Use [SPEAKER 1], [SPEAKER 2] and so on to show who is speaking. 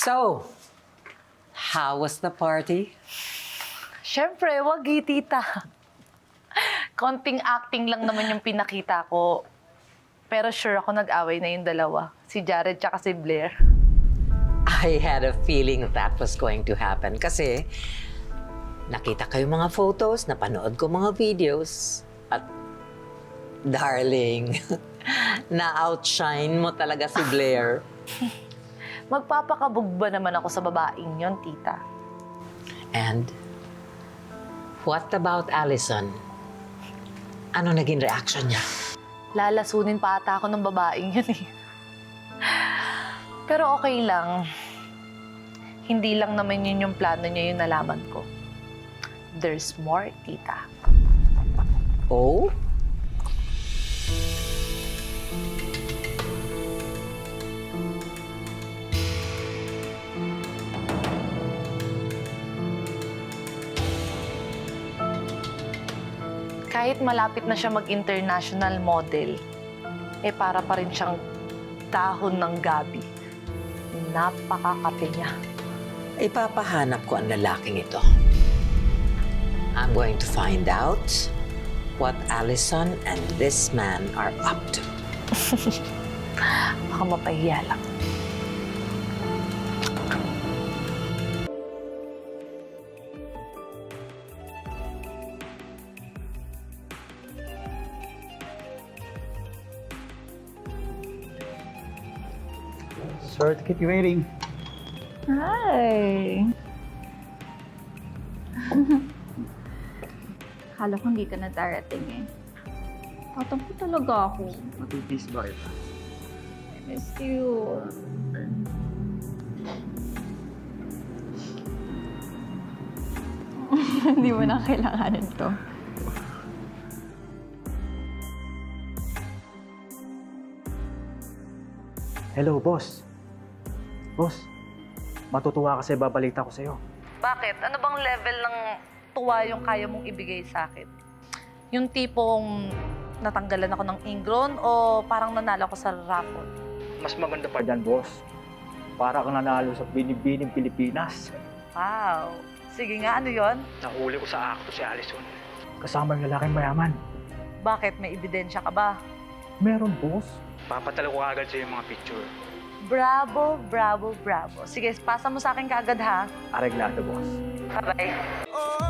[SPEAKER 1] So, how was the party?
[SPEAKER 2] Siyempre, wag tita. Konting acting lang naman yung pinakita ko. Pero sure ako nag-away na yung dalawa. Si Jared tsaka si Blair.
[SPEAKER 1] I had a feeling that was going to happen kasi nakita ko yung mga photos, napanood ko mga videos, at darling, na-outshine mo talaga si Blair.
[SPEAKER 2] Magpapakabog ba naman ako sa babaeng yon, tita?
[SPEAKER 1] And what about Allison? Ano naging reaction niya?
[SPEAKER 2] Lalasunin pa ata ako ng babaeng yun eh. Pero okay lang. Hindi lang naman yun yung plano niya yung nalaman ko. There's more, tita.
[SPEAKER 1] Oh?
[SPEAKER 2] Kahit malapit na siya mag-international model, eh para pa rin siyang dahon ng gabi. Napakakape niya.
[SPEAKER 1] Ipapahanap ko ang lalaking ito. I'm going to find out what Allison and this man are up to.
[SPEAKER 2] Baka mapahiya lang.
[SPEAKER 3] Sorry to keep you waiting.
[SPEAKER 4] Hi! Akala ko hindi ka na darating eh. Tatampo talaga ako.
[SPEAKER 3] Matipis ba kita?
[SPEAKER 4] I miss you. Hindi mo na kailanganin to.
[SPEAKER 3] Hello, boss. Boss, matutuwa kasi babalita ko sa'yo.
[SPEAKER 2] Bakit? Ano bang level ng tuwa yung kaya mong ibigay sa akin? Yung tipong natanggalan ako ng ingron o parang nanalo ako sa raffle?
[SPEAKER 3] Mas maganda pa dyan, boss. Para kang nanalo sa Binibining Pilipinas.
[SPEAKER 2] Wow! Sige nga, ano yon?
[SPEAKER 3] Nahuli ko sa akto si Allison. Kasama yung lalaking mayaman.
[SPEAKER 2] Bakit? May ebidensya ka ba?
[SPEAKER 3] Meron, boss.
[SPEAKER 5] Papatalo ko agad sa yung mga picture.
[SPEAKER 2] Bravo, bravo, bravo. Sige, pasa mo sa akin kaagad ha.
[SPEAKER 3] Areglado, boss.
[SPEAKER 2] Bye-bye.
[SPEAKER 6] Oh,